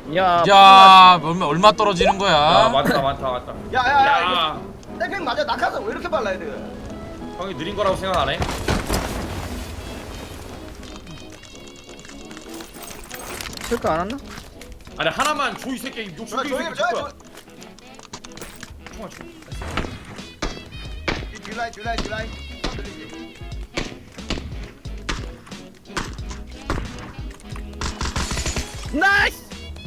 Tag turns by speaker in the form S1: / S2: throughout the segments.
S1: 야, 얼마 떨어지는 거야?
S2: 야 많다.
S3: 야야야 땡팽 맞아. 낙하산 왜 이렇게 빨라 애들?
S2: 형이 느린 거라고 생각 안 해?
S4: 체크 안 왔나?
S2: 아니 하나만 줘 이 새끼 욕심 되게
S3: 조용히
S2: 새끼
S3: 줘.
S2: 거야. 총알 줘.
S3: 딜라인 들리지?
S4: 나이스!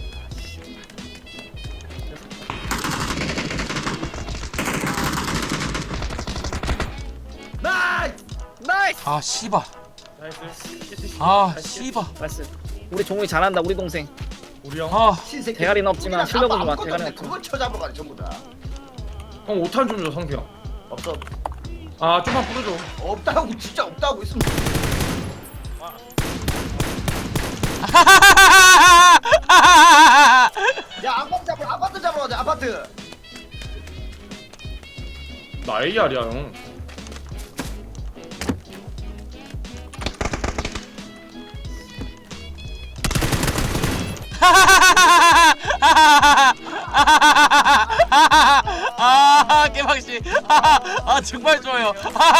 S4: 나이스!
S1: 아, 씨발.
S2: 나이스.
S1: 아, 씨발.
S4: 나이스. 우리 종욱이 잘한다. 우리 동생.
S2: 우리 형.
S1: 아,
S3: 신새끼.
S4: 대가리는 없지만 실력은 좋아.
S3: 아무것도
S4: 대가리는
S3: 없네.
S4: 없지만.
S3: 그걸 쳐잡으러 가네 전부 다.
S2: 형 5탄 좀 줘 성태 형.
S3: 없어.
S2: 아 좀만 뿌려줘.
S3: 없다고 진짜 없다고 있으면. 야 아파트 잡으러 가자 아파트.
S2: 나 AR이야 형.
S1: 아, 깨박씨. 아, 정말 좋아요.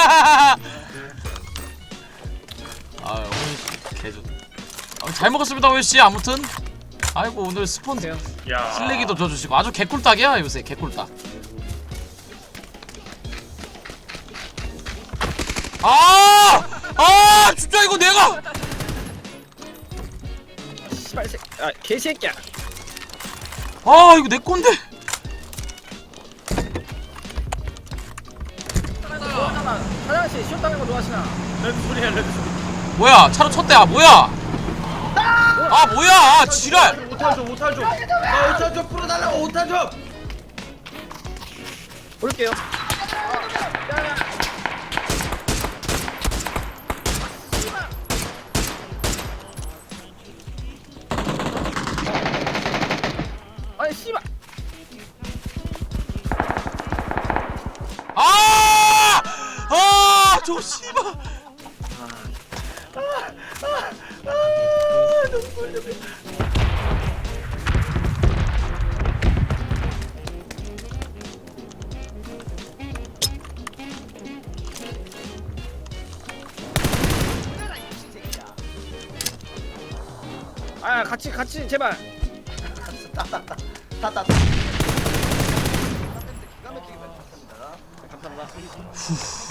S1: 아, 오늘 개좋. 잘 먹었습니다, 오일씨. 아무튼. 아이고, 오늘 스폰
S2: 야.
S1: 슬래기도 줘주시고 아주 개꿀딱이야 요새. 개꿀딱. 진짜 이거 내가
S4: 씨발 새. 아 개새끼야.
S1: 이거 내 건데.
S4: 사장씨 시험당한 거 좋아하시나?
S2: 레드 소리야 레드 소리.
S1: 뭐야, 차로 쳤대. 뭐야. 뭐야, 지랄.
S2: 5탄 줘. 나 5탄 좀 풀어달라고 5탄 좀.
S4: 볼게요. 아니 씨발.
S1: 저 씨발.
S4: 아 같이 제발.
S3: 따따. 기가 막히게 봤습니다.
S4: 감사합니다.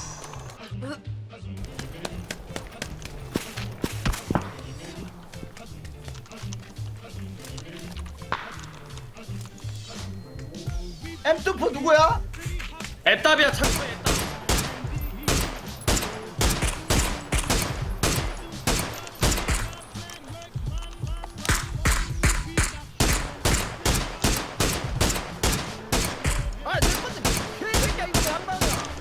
S3: M24 누구야?
S2: 애답이야 창고에 애답.
S4: 아 내 건데 개새끼야 이거 왜안 나오냐?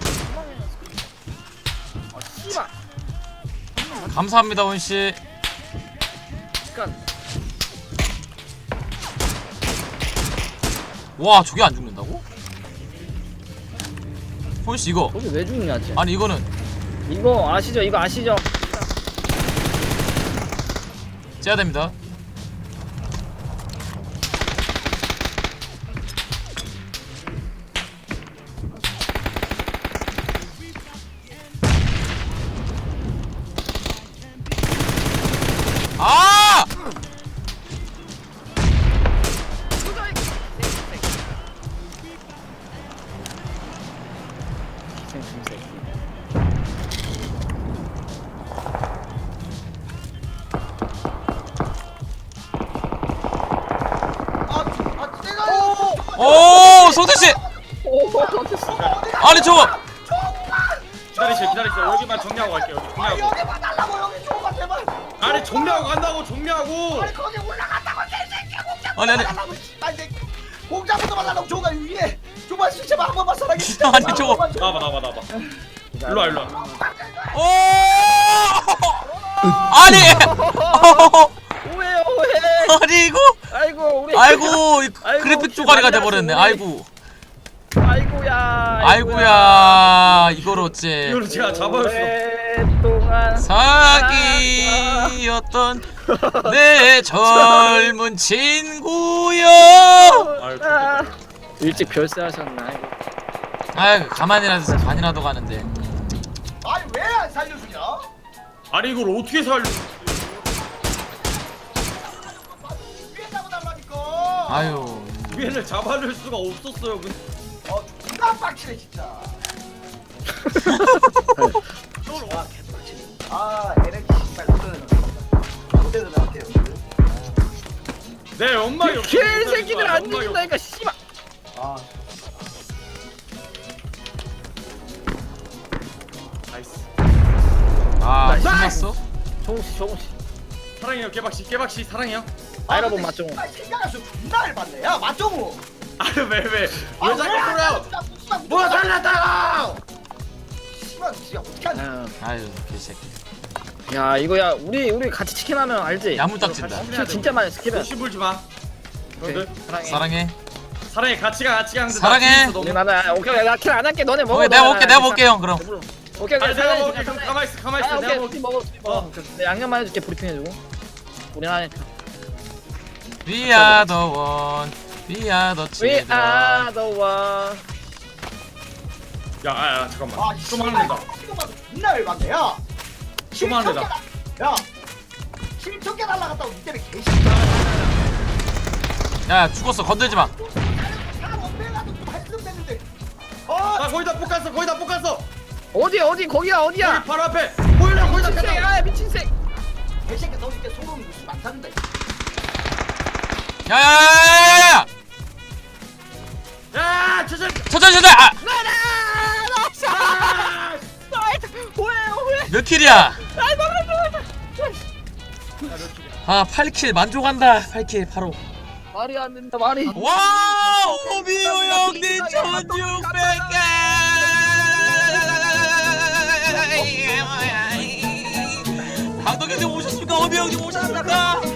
S4: 아 씨발.
S1: 감사합니다, 원씨.
S4: 잠깐.
S1: 와, 저게 안 죽는다고? 원씨 이거.
S4: 거기 왜 죽냐 쟤?
S1: 아니, 이거는
S4: 이거 아시죠? 이거 아시죠?
S1: 째야 됩니다. 오, 성태씨. 아니, 저거.
S2: 기다리세요. 여기만 정리하고 갈게요. 여기 정리하고.
S3: 여기만 달라고 여기 조금만 제발.
S2: 아니 정리하고 간다고 정리하고.
S3: 아니 거기 올라간다고 개새끼야 공장.
S1: 아니.
S3: 달라고 씨발 새끼. 공장부터 말라고 조가 위에. 조만 씨 제발 한 번만 살아게.
S1: 아니, 저거.
S2: 나와봐. 일로 와.
S1: 오! 아니.
S4: 오해.
S1: 아니, 이거.
S4: 아이고 우리.
S1: 아이고,
S4: 아이고,
S1: 그래픽 쪼가리가 돼 버렸네.
S4: 우리.
S1: 아이고.
S4: 아이고야.
S1: 아이고야. 이걸 어째.
S2: 이거를 제가 잡아줬어.
S4: 또
S1: 사기였던 내 젊은 친구여.
S4: 아, 일찍 별세하셨나 이거.
S1: 아이 가만히라도 반이라도 가는데.
S3: 아니 왜 안 살려주냐?
S2: 아니 이걸 어떻게 살려?
S3: 위에 잡아달라니까.
S1: 아유.
S2: 위에를 잡아낼 수가 없었어요.
S3: 존나 빡치네 진짜. 아 에너지 씨발 못되는 것 같아요.
S2: 내 엄마 옆에
S4: 개새끼들 안
S2: 엄마
S4: 죽인다니까 씨발.
S3: 아
S2: 나이스.
S1: 아
S4: 나이스.
S1: 끝났어?
S4: 종씨.
S2: 사랑해요 깨박씨 사랑해요.
S4: 아이라본 맞종우.
S3: 생각할수록 존나 열받네. 야 맞종우.
S2: 왜 자꾸 그래요?
S3: 뭐 살렸다고? 씨발 진짜 어떡하냐.
S1: 아유 개새끼.
S4: 야 이거야 우리 같이 치킨 하면 알지?
S1: 야무딱진다.
S4: 킬 진짜 많이 스킵해.
S2: 욕심 불지 마. 너희들
S4: 사랑해.
S1: 사랑해.
S2: 같이 가.
S1: 사랑해.
S4: 우리 나는 오케이 나 킬 안 할게 너네 먹어.
S1: 오케이 내가 먹게 형 그럼.
S4: 오케이
S2: 아니 내가 먹을게.
S4: 그럼
S2: 그럼 가만히 있어.
S4: 아,
S2: 내가
S4: 오케이
S2: 먹을게.
S4: 먹어. 내 양념만 해줄게 브리핑 해주고. 우리 하니까.
S1: We are the one. We are the
S4: We
S1: children.
S4: are the one.
S2: 야 잠깐만.
S3: 아
S2: 좀 하는다.
S3: 존나 열받네. 야
S2: 좀 하는다.
S3: 야 7천 개 날라갔다고 니 때문에 개씨.
S1: 야 죽었어 건들지 마.
S3: 사람 엄매가도 좀 했으면 됐는데.
S2: 나 거의 다 볶았어.
S4: 어디 거기야 어디야?
S2: 여기 바로 앞에. 보일러 거의 다
S4: 미친 새,
S2: 켰다.
S4: 아 미친 새.
S3: 개새끼 너 이때 소름이 무슨 안 타는다.
S1: 야야야야야야.
S2: 야 저저.
S1: 천천히. 아, 몇 킬이야? 아 8킬 만족한다. 8킬 바로.
S4: 말이 안 된다 말이.
S1: 와 오비오 형님 1600개. 감독님 오셨습니까? 오비 형님 오셨습니까?